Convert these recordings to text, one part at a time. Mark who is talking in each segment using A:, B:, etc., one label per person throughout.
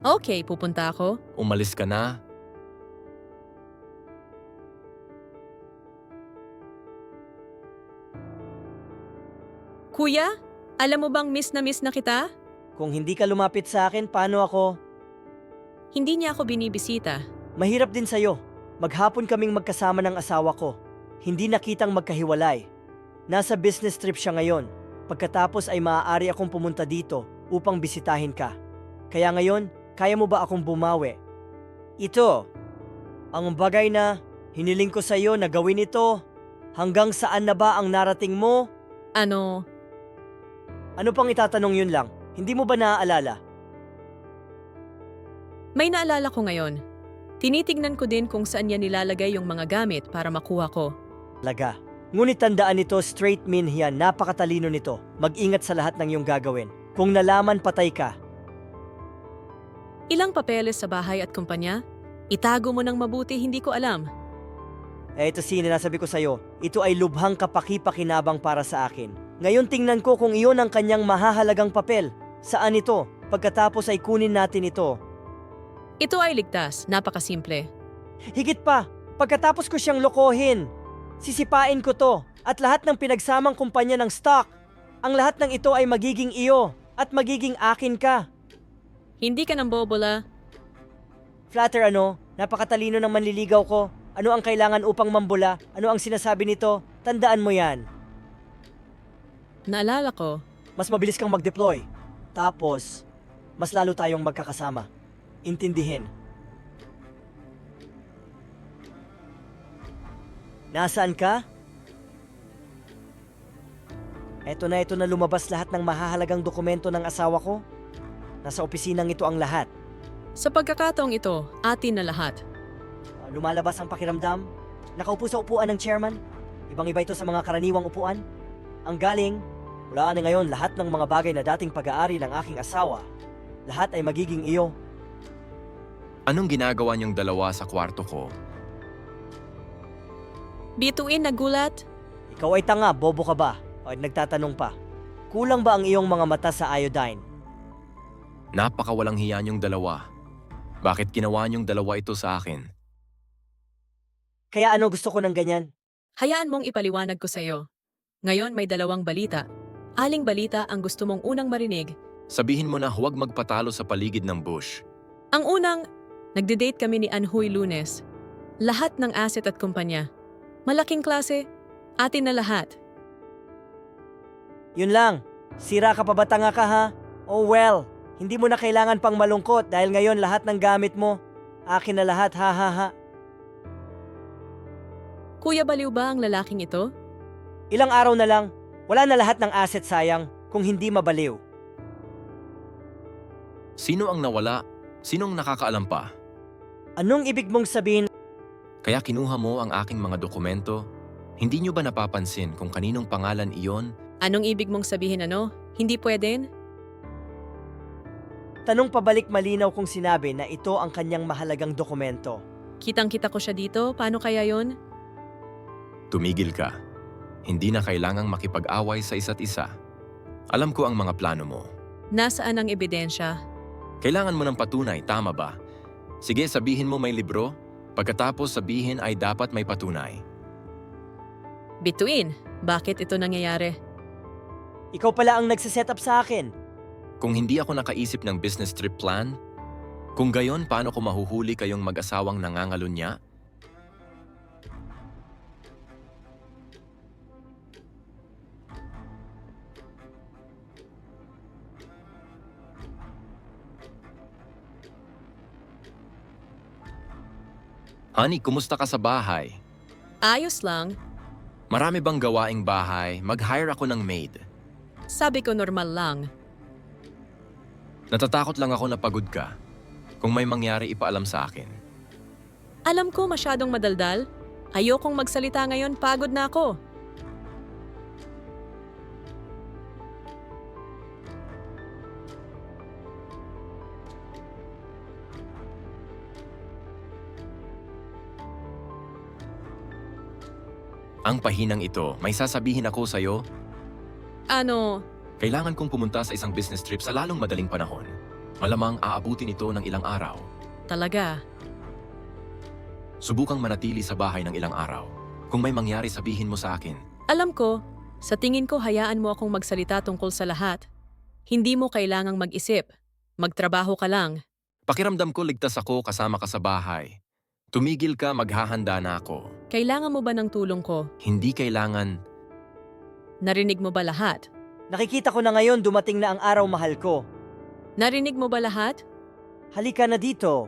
A: Okay, pupunta ako.
B: Umalis ka na.
A: Kuya, alam mo bang miss na kita?
C: Kung hindi ka lumapit sa akin, paano ako?
A: Hindi niya ako binibisita.
C: Mahirap din sa'yo. Maghapon kaming magkasama ng asawa ko. Hindi nakitang magkahiwalay. Nasa business trip siya ngayon. Pagkatapos ay maaari akong pumunta dito upang bisitahin ka. Kaya ngayon, kaya mo ba akong bumawi? Ito, ang bagay na hiniling ko sa'yo na gawin ito. Hanggang saan na ba ang narating mo?
A: Ano,
C: Ano pang itatanong yun lang? Hindi mo ba naaalala?
A: may naalala ko ngayon. Tinitignan ko din kung saan niya nilalagay yung mga gamit para makuha ko.
C: Laga. Ngunit tandaan nito, straight min yan, napakatalino nito. Mag-ingat sa lahat ng iyong gagawin. Kung nalaman, patay ka.
A: Ilang papeles sa bahay at kumpanya? Itago mo ng mabuti, hindi ko alam.
C: Ito sinasabi ko sa'yo, ito ay lubhang kapaki-pakinabang para sa akin. Ngayon tingnan ko kung iyon ang kanyang mahahalagang papel. Saan ito? Pagkatapos ay kunin natin ito.
A: Ito ay ligtas, napakasimple.
C: Higit pa, pagkatapos ko siyang lokohin, sisipain ko to at lahat ng pinagsamang kumpanya ng stock. Ang lahat ng ito ay magiging iyo at magiging akin ka.
A: Hindi ka ng bobola.
C: Flatter ano, napakatalino ng manliligaw ko. Ano ang kailangan upang mambula? Ano ang sinasabi nito? Tandaan mo yan.
A: Naalala ko,
C: Mas mabilis kang mag-deploy. Tapos, mas lalo tayong magkakasama. Intindihin. Nasaan ka? Ito na lumabas lahat ng mahahalagang dokumento ng asawa ko. Nasa opisinang ito ang lahat.
A: sa pagkakataong ito, atin na lahat.
C: Lumalabas ang pakiramdam. Nakaupo sa upuan ng chairman. Ibang-iba ito sa mga karaniwang upuan. Ang galing, mula na ngayon lahat ng mga bagay na dating pag-aari ng aking asawa, lahat ay magiging iyo.
B: Anong ginagawa niyong dalawa sa kwarto ko?
A: Bituin na gulat?
C: Ikaw ay tanga, bobo ka ba? O nagtatanong pa. Kulang ba ang iyong mga mata sa iodine?
B: Napakawalang hiya niyong dalawa. Bakit ginawa niyong dalawa ito sa akin?
C: Kaya ano gusto ko ng ganyan?
A: Hayaan mong ipaliwanag ko sa'yo. Ngayon may dalawang balita. Aling balita ang gusto mong unang marinig?
B: Sabihin mo na huwag magpatalo sa paligid ng bush.
A: Ang unang, nagde-date kami ni Anhui Lunes. Lahat ng asset at kumpanya. Malaking klase, atin na lahat.
C: Yun lang. Sira ka pa ba, tanga ka ha? Oh well, hindi mo na kailangan pang malungkot dahil ngayon lahat ng gamit mo, akin na lahat, ha ha ha.
A: Kuya, baliw ba ang lalaking ito?
C: Ilang araw na lang, wala na lahat ng asset, sayang kung hindi mabaliw.
B: Sino ang nawala? Sinong nakakaalam pa?
C: Anong ibig mong sabihin?
B: Kaya kinuha mo ang aking mga dokumento? Hindi niyo ba napapansin kung kaninong pangalan iyon?
A: Anong ibig mong sabihin ano? Hindi pweden?
C: Tanong pabalik, malinaw kung sinabi na ito ang kanyang mahalagang dokumento.
A: Kitang-kita ko siya dito, paano kaya yon?
B: Tumigil ka. Hindi na kailangang makipag-away sa isa't isa. Alam ko ang mga plano mo.
A: Nasaan ang ebidensya?
B: Kailangan mo ng patunay, tama ba? Sige, sabihin mo may libro. Pagkatapos sabihin ay dapat may patunay.
A: Bituin, bakit ito nangyayari?
C: Ikaw pala ang nagsiset up sa akin.
B: Kung hindi ako nakaisip ng business trip plan, kung gayon paano ko mahuhuli kayong mag-asawang nangangalunya? Honey, kumusta ka sa bahay?
A: Ayos lang,
B: Marami bang gawaing bahay? Mag-hire ako ng maid.
A: sabi ko normal lang.
B: Natatakot lang ako na pagod ka. Kung may mangyari, ipaalam sa akin.
A: Alam ko masyadong madaldal. Ayokong magsalita ngayon, pagod na ako.
B: Ang pahinang ito, may sasabihin ako sa'yo.
A: Ano,
B: Kailangan kong pumunta sa isang business trip sa lalong madaling panahon. Malamang aabutin ito ng ilang araw.
A: Talaga.
B: Subukang manatili sa bahay ng ilang araw. Kung may mangyari, sabihin mo sa akin.
A: Alam ko, sa tingin ko hayaan mo akong magsalita tungkol sa lahat. Hindi mo kailangang mag-isip. Magtrabaho ka lang.
B: Pakiramdam ko ligtas ako kasama ka sa bahay. Tumigil ka, maghahanda na ako.
A: Kailangan mo ba ng tulong ko?
B: Hindi kailangan.
A: Narinig mo ba lahat?
C: Nakikita ko na ngayon dumating na ang araw, mahal ko.
A: Narinig mo ba lahat?
C: Halika na dito.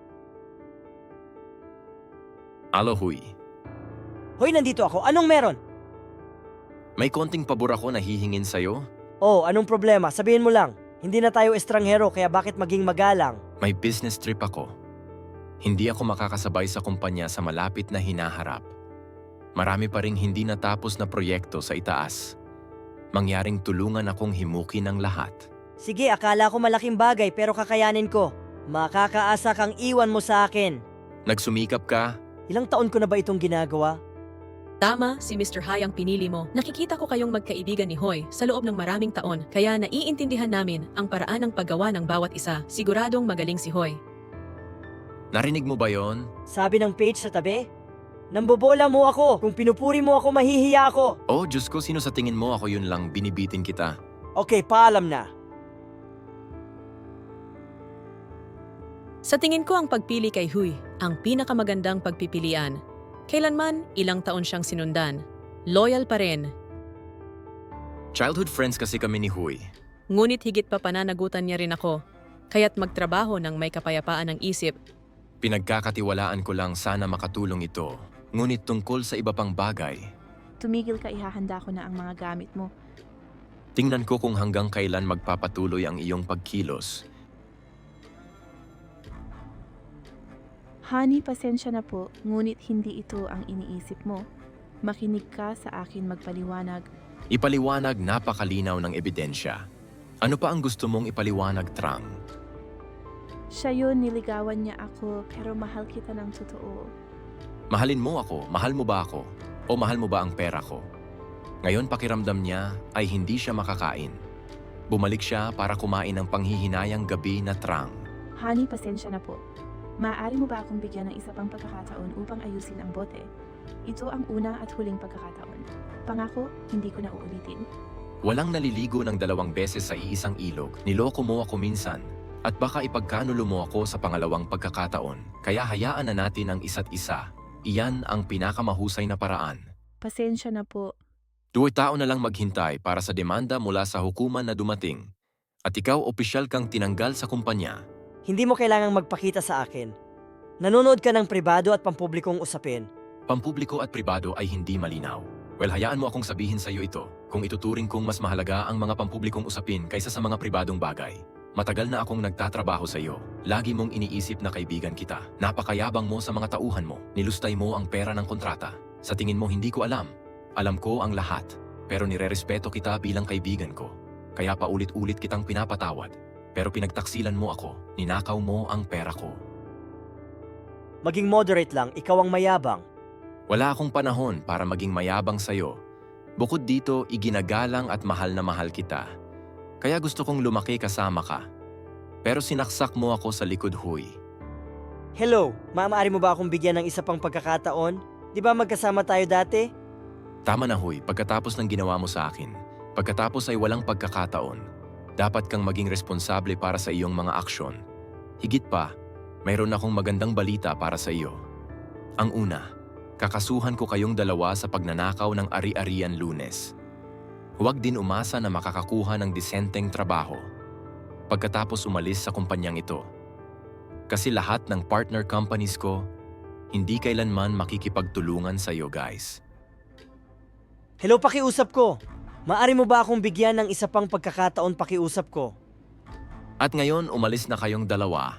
B: Aloy,
C: Hoy, nandito ako. Anong meron?
B: may konting pabor ako na hihingin sa'yo.
C: Oh, anong problema? Sabihin mo lang. Hindi na tayo estranghero, kaya bakit maging magalang?
B: May business trip ako. Hindi ako makakasabay sa kumpanya sa malapit na hinaharap. Marami pa ring hindi natapos na proyekto sa itaas. Mangyaring tulungan akong himukin ng lahat.
C: Sige, akala ko malaking bagay pero kakayanin ko. Makakaasa kang iwan mo sa akin.
B: Nagsumikap ka,
C: Ilang taon ko na ba itong ginagawa?
A: Tama, si Mr. Hai ang pinili mo. Nakikita ko kayong magkaibigan ni Hoy sa loob ng maraming taon, kaya naiintindihan namin ang paraan ng paggawa ng bawat isa. Siguradong magaling si Hoy.
B: narinig mo ba yon?
C: Sabi ng page sa tabi? Nambobola mo ako. Kung pinupuri mo ako, mahihiya ako.
B: Oh, Diyos ko, sino sa tingin mo ako yun lang, binibitin kita.
C: Okay, paalam na.
A: Sa tingin ko ang pagpili kay Huy ang pinakamagandang pagpipilian. Kailanman, ilang taon siyang sinundan. Loyal pa rin.
B: Childhood friends kasi kami ni Huy.
A: Ngunit higit pa pananagutan niya rin ako. Kaya't magtrabaho ng may kapayapaan ng isip.
B: Pinagkakatiwalaan ko lang sana makatulong ito. Ngunit tungkol sa iba pang bagay,
D: Tumigil ka, ihahanda ko na ang mga gamit mo.
B: tingnan ko kung hanggang kailan magpapatuloy ang iyong pagkilos.
D: Honey, pasensya na po, ngunit hindi ito ang iniisip mo. Makinig ka sa akin magpaliwanag.
B: Ipaliwanag, napakalinaw ng ebidensya. Ano pa ang gusto mong ipaliwanag, Trang?
D: Siya yun, niligawan niya ako, pero mahal kita ng totoo.
B: Mahalin mo ako, mahal mo ba ako? O mahal mo ba ang pera ko? Ngayon pakiramdam niya ay hindi siya makakain. Bumalik siya para kumain ng panghihinayang gabi na Trang.
D: Honey, pasensya na po. Maaari mo ba akong bigyan ng isa pang pagkakataon upang ayusin ang bote? Ito ang una at huling pagkakataon. Pangako, hindi ko na uulitin.
B: Walang naliligo ng 2 beses sa iisang ilog. Niloko mo ako minsan. At baka ipagkanulo mo ako sa pangalawang pagkakataon. Kaya hayaan na natin ang isa't isa. Iyan ang pinakamahusay na paraan.
D: Pasensya na po.
B: 2 tao na lang maghintay para sa demanda mula sa hukuman na dumating. At ikaw opisyal kang tinanggal sa kumpanya.
C: Hindi mo kailangang magpakita sa akin. Nanonood ka ng pribado at pampublikong usapin.
B: Pampubliko at pribado ay hindi malinaw. Well, hayaan mo akong sabihin sa iyo ito kung ituturing kong mas mahalaga ang mga pampublikong usapin kaysa sa mga pribadong bagay. Matagal na akong nagtatrabaho sa iyo. Lagi mong iniisip na kaibigan kita. Napakayabang mo sa mga tauhan mo. Nilustay mo ang pera ng kontrata. Sa tingin mo hindi ko alam. Alam ko ang lahat. Pero nirerespeto kita bilang kaibigan ko. Kaya paulit-ulit kitang pinapatawad. Pero pinagtaksilan mo ako. Ninakaw mo ang pera ko.
C: Maging moderate lang, ikaw ang mayabang.
B: Wala akong panahon para maging mayabang sa'yo. Bukod dito, iginagalang at mahal na mahal kita. Kaya gusto kong lumaki kasama ka. Pero sinaksak mo ako sa likod, Huy.
C: Hello, maaari mo ba akong bigyan ng isa pang pagkakataon? Di ba magkasama tayo dati?
B: Tama na, Huy, pagkatapos ng ginawa mo sa akin. Pagkatapos ay walang pagkakataon. Dapat kang maging responsable para sa iyong mga aksyon. Higit pa, mayroon akong magandang balita para sa iyo. Ang una, kakasuhan ko kayong dalawa sa pagnanakaw ng ari-arian Lunes. Huwag din umasa na makakakuha ng disenteng trabaho pagkatapos umalis sa kumpanyang ito. Kasi lahat ng partner companies ko, hindi kailanman makikipagtulungan sa iyo, guys.
C: Hello, pakiusap ko. Maaari mo ba akong bigyan ng isa pang pagkakataon, pakiusap ko?
B: At ngayon, umalis na kayong dalawa.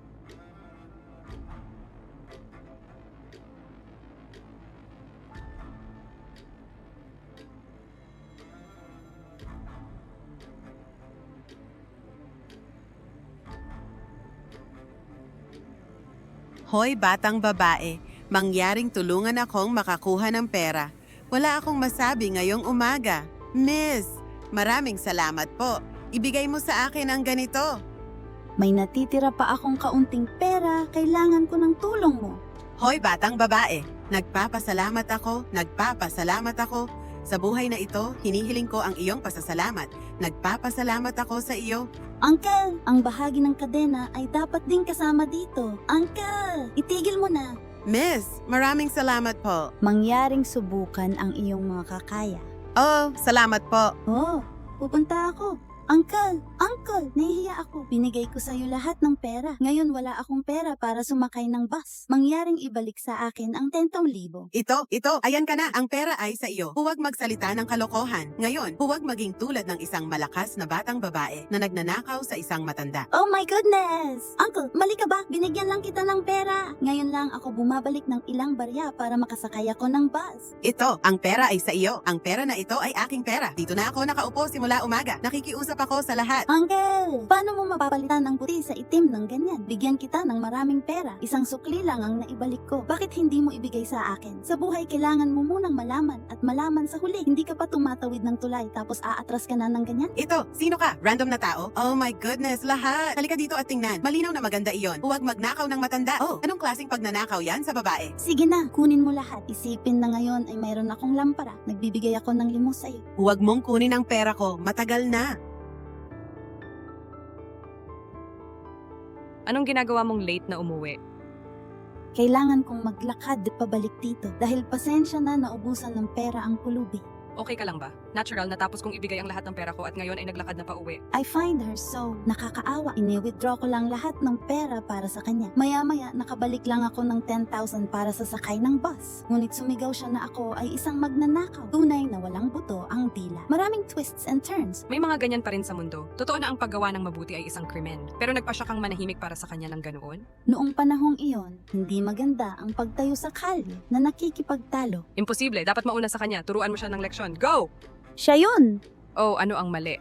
E: Hoy, batang babae, mangyaring tulungan akong makakuha ng pera. Wala akong masabi ngayong umaga. Miss, maraming salamat po. Ibigay mo sa akin ang ganito.
F: May natitira pa akong kaunting pera, kailangan ko ng tulong mo.
E: Hoy batang babae, nagpapasalamat ako. Sa buhay na ito, hinihiling ko ang iyong pasasalamat. Nagpapasalamat ako sa iyo.
F: Uncle, ang bahagi ng kadena ay dapat din kasama dito. Uncle, itigil mo na.
E: Miss, maraming salamat po.
F: Mangyaring subukan ang iyong mga kakaya.
E: Oh, salamat po.
F: Oh, pupunta ako. Uncle, nahihiya ako. Binigay ko sa'yo lahat ng pera. Ngayon wala akong pera para sumakay ng bus. Mangyaring ibalik sa akin ang 10,000.
E: Ito, ayan ka na. Ang pera ay sa iyo. Huwag magsalita ng kalokohan. Ngayon, huwag maging tulad ng isang malakas na batang babae na nagnanakaw sa isang matanda.
F: Oh my goodness! Uncle, mali ka ba? Binigyan lang kita ng pera. Ngayon lang ako bumabalik ng ilang barya para makasakay ako ng bus.
E: Ito, ang pera ay sa iyo. Ang pera na ito ay aking pera. Dito na ako nakaupo simula umaga. Nakikiusap ako sa lahat.
F: Uncle, paano mo mapapalitan ang puti sa itim ng ganyan? Bigyan kita ng maraming pera. Isang sukli lang ang naibalik ko. Bakit hindi mo ibigay sa akin? Sa buhay, kailangan mo munang malaman at malaman sa huli. Hindi ka pa tumatawid ng tulay tapos aatras ka na ng ganyan?
E: Ito, sino ka? Random na tao? Oh my goodness, lahat. Halika dito at tingnan. Malinaw na maganda iyon. Huwag magnakaw ng matanda. Oh, anong klaseng pagnanakaw yan sa babae?
F: Sige na, kunin mo lahat. Isipin na ngayon ay mayroon akong lampara. Nagbibigay ako ng limos sa'yo.
E: Huwag mong kunin ang pera ko. Matagal na.
A: Anong ginagawa mong late na umuwi?
F: Kailangan kong maglakad pabalik dito dahil pasensya na naubusan ng pera ang pulubi.
A: Okay ka lang ba? Natural, natapos kong ibigay ang lahat ng pera ko at ngayon ay naglakad na pauwi.
F: I find her so nakakaawa. Ini-withdraw ko lang lahat ng pera para sa kanya. Maya-maya, nakabalik lang ako ng 10,000 para sa sakay ng bus. Ngunit sumigaw siya na ako ay isang magnanakaw. Tunay na walang buto ang dila. Maraming twists and turns.
A: May mga ganyan pa rin sa mundo. Totoo na ang paggawa ng mabuti ay isang krimen. Pero nagpa siya kang manahimik para sa kanya ng ganoon?
F: Noong panahong iyon, hindi maganda ang pagtayo sa kalye na nakikipagtalo.
A: Imposible, dapat mauna sa kanya. Turuan mo siya ng leksyon. Go!
F: Siya yun!
A: Oh, ano ang mali?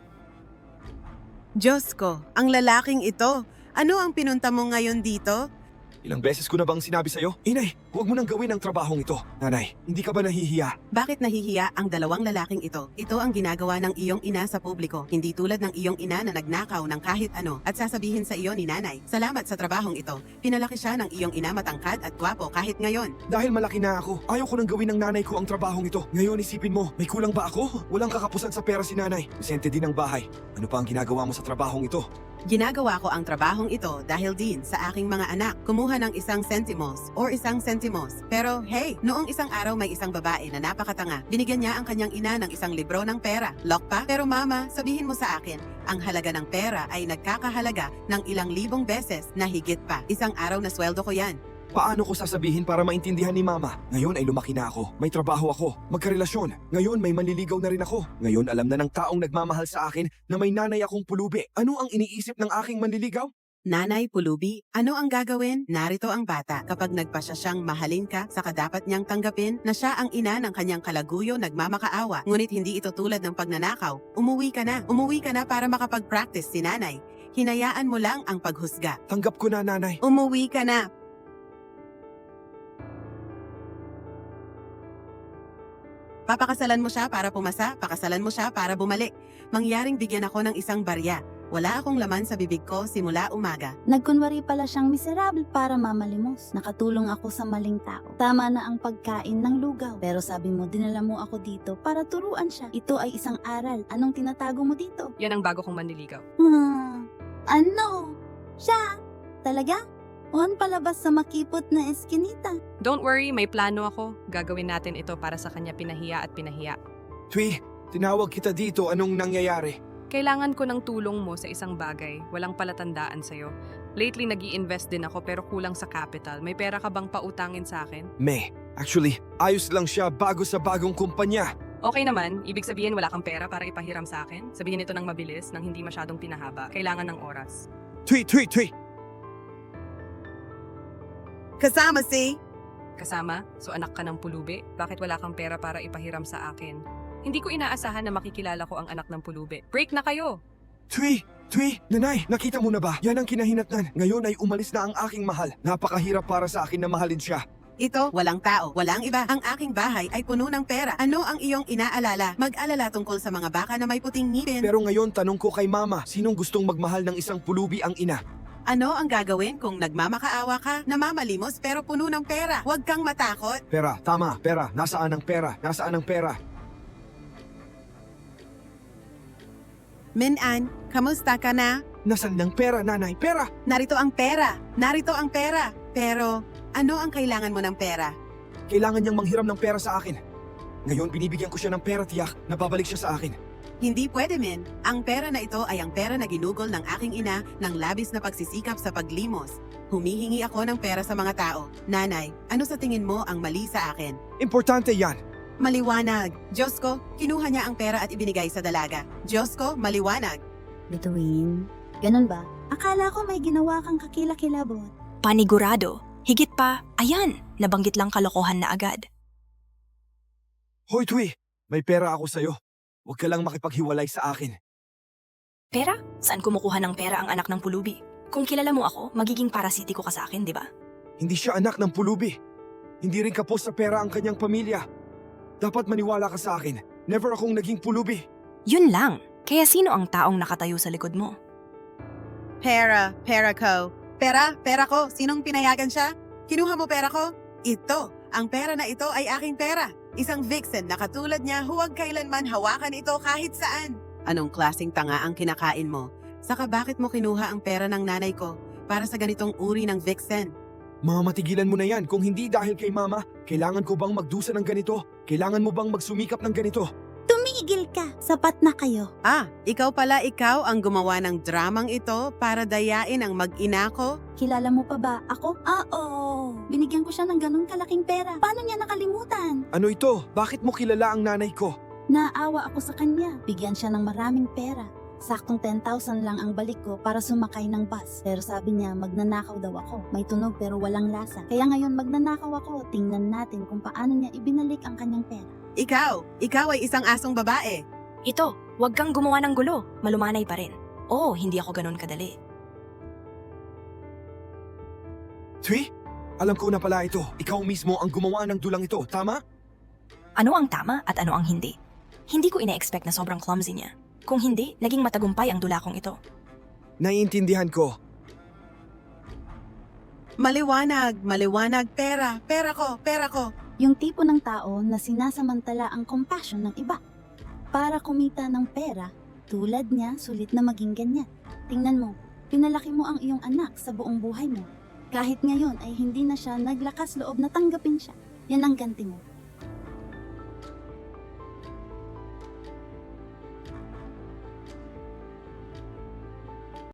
E: Diyos ko, ang lalaking ito. Ano ang pinunta mo ngayon dito?
G: Ilang beses ko na bang sinabi sa'yo? Inay, huwag mo nang gawin ang trabahong ito. Nanay, hindi ka ba nahihiya?
E: Bakit nahihiya ang dalawang lalaking ito? Ito ang ginagawa ng iyong ina sa publiko. Hindi tulad ng iyong ina na nagnakaw ng kahit ano at sasabihin sa iyo ni nanay, salamat sa trabahong ito. Pinalaki siya ng iyong ina matangkad at gwapo kahit ngayon.
G: Dahil malaki na ako, ayaw ko nang gawin ng nanay ko ang trabahong ito. Ngayon isipin mo, may kulang ba ako? Walang kakapusan sa pera si nanay. Presente din ang bahay. Ano pa ang ginagawa mo sa trabahong ito?
E: Ginagawa ko ang trabahong ito dahil din sa aking mga anak. Kumuha ng isang sentimos or isang sentimos. Pero hey, noong isang araw may isang babae na napakatanga. Binigyan niya ang kanyang ina ng isang libro ng pera. Lock pa? Pero mama, sabihin mo sa akin, ang halaga ng pera ay nagkakahalaga ng ilang libong beses na higit pa. Isang araw na sweldo ko yan.
G: Paano ko sasabihin para maintindihan ni mama? Ngayon ay lumaki na ako. May trabaho ako. Magkarelasyon. Ngayon may manliligaw na rin ako. Ngayon alam na ng taong nagmamahal sa akin na may nanay akong pulubi. Ano ang iniisip ng aking manliligaw?
E: Nanay, pulubi, ano ang gagawin? Narito ang bata. Kapag nagpasya siyang mahalin ka, saka dapat niyang tanggapin na siya ang ina ng kanyang kalaguyo nagmamakaawa. Ngunit hindi ito tulad ng pagnanakaw. Umuwi ka na para makapag-practice si nanay. Hinayaan mo lang ang paghusga.
G: Tanggap ko na, nanay.
E: Umuwi ka na. Papakasalan mo siya para pumasa, pakasalan mo siya para bumalik. Mangyaring bigyan ako ng isang barya. Wala akong laman sa bibig ko simula umaga.
F: Nagkunwari pala siyang miserable para mamalimos. Nakatulong ako sa maling tao. Tama na ang pagkain ng lugaw. Pero sabi mo, dinala mo ako dito para turuan siya. Ito ay isang aral. Anong tinatago mo dito?
A: Yan ang bago kong manliligaw.
F: Ano? Siya? Talaga? On palabas sa makipot na eskinita.
A: Don't worry, may plano ako. Gagawin natin ito para sa kanya pinahiya at pinahiya.
G: Twi, tinawag kita dito. Anong nangyayari?
A: Kailangan ko ng tulong mo sa isang bagay. Walang palatandaan sa'yo. Lately, nag-i-invest din ako pero kulang sa capital. May pera ka bang pautangin sa akin?
G: Actually, ayos lang siya bago sa bagong kumpanya.
A: Okay naman, ibig sabihin wala kang pera para ipahiram sa akin? Sabihin ito ng mabilis, nang hindi masyadong pinahaba. Kailangan ng oras.
G: Twi!
E: Kasama si...
A: Kasama? So anak ka ng pulubi? Bakit wala kang pera para ipahiram sa akin? Hindi ko inaasahan na makikilala ko ang anak ng pulubi. Break na kayo!
G: Twi! Nanay, nakita mo na ba? Yan ang kinahinatnan. Ngayon ay umalis na ang aking mahal. Napakahirap para sa akin na mahalin siya.
E: Ito, walang tao, walang iba. Ang aking bahay ay puno ng pera. Ano ang iyong inaalala? Mag-alala tungkol sa mga baka na may puting ngipin.
G: Pero ngayon tanong ko kay mama, sinong gustong magmahal ng isang pulubi ang ina?
E: Ano ang gagawin kung nagmamakaawa ka, namamalimos pero puno ng pera? Huwag kang matakot.
G: Pera, tama, pera. Nasaan ang pera? Nasaan ang pera?
E: Min-an, kamusta ka na?
G: Nasaan ang pera, nanay? Pera!
E: Narito ang pera. Narito ang pera. Pero, ano ang kailangan mo ng pera?
G: Kailangan niyang manghiram ng pera sa akin. Ngayon, binibigyan ko siya ng pera, tiyak. Nababalik siya sa akin.
E: Hindi pwede, Min. Ang pera na ito ay ang pera na ginugol ng aking ina ng labis na pagsisikap sa paglimos. Humihingi ako ng pera sa mga tao. Nanay, ano sa tingin mo ang mali sa akin?
G: Importante yan.
E: Maliwanag. Diyos ko, kinuha niya ang pera at ibinigay sa dalaga. Diyos ko, maliwanag.
F: Bituin. Ganun ba? Akala ko may ginawa kang kakilakilabot.
H: Panigurado. Higit pa, ayan, nabanggit lang kalokohan na agad.
G: Hoy, Twi! May pera ako sa'yo. Huwag ka lang makipaghiwalay sa akin.
H: Pera? Saan kumukuha ng pera ang anak ng pulubi? Kung kilala mo ako, magiging parasitiko ka sa akin, di ba?
G: Hindi siya anak ng pulubi. Hindi rin kapos sa pera ang kanyang pamilya. Dapat maniwala ka sa akin. Never akong naging pulubi.
H: Yun lang. Kaya sino ang taong nakatayo sa likod mo?
E: Pera ko. Pera ko. Sinong pinayagan siya? Kinuha mo pera ko? Ito. Ang pera na ito ay aking pera. Isang vixen na katulad niya huwag kailanman hawakan ito kahit saan. Anong klaseng tanga ang kinakain mo? Saka bakit mo kinuha ang pera ng nanay ko para sa ganitong uri ng vixen?
G: Matigilan mo na yan. Kung hindi dahil kay mama, kailangan ko bang magdusa ng ganito? Kailangan mo bang magsumikap ng ganito?
F: Tumigil ka! Sapat na kayo.
E: Ikaw ang gumawa ng dramang ito para dayain ang mag-ina ko?
F: Kilala mo pa ba ako? Oo. Binigyan ko siya ng ganun kalaking pera. Paano niya nakalimutan?
G: Ano ito? Bakit mo kilala ang nanay ko?
F: Naawa ako sa kanya. Bigyan siya ng maraming pera. Saktong 10,000 lang ang balik ko para sumakay ng bus. Pero sabi niya magnanakaw daw ako. May tunog pero walang lasa. Kaya ngayon magnanakaw ako. Tingnan natin kung paano niya ibinalik ang kanyang pera.
E: Ikaw ay isang asong babae.
H: Ito, huwag kang gumawa ng gulo. Malumanay pa rin. Oo, hindi ako ganun kadali.
G: Twi? Alam ko na pala ito. Ikaw mismo ang gumawa ng dulang ito, tama?
H: Ano ang tama at ano ang hindi? Hindi ko ina-expect na sobrang clumsy niya. Kung hindi, naging matagumpay ang dula kong ito.
G: Naiintindihan ko.
E: Maliwanag, pera ko.
F: Yung tipo ng tao na sinasamantala ang compassion ng iba. Para kumita ng pera, tulad niya, sulit na maging ganyan. Tingnan mo, pinalaki mo ang iyong anak sa buong buhay mo. Kahit ngayon ay hindi na siya naglakas loob na tanggapin siya. Yan ang ganti mo.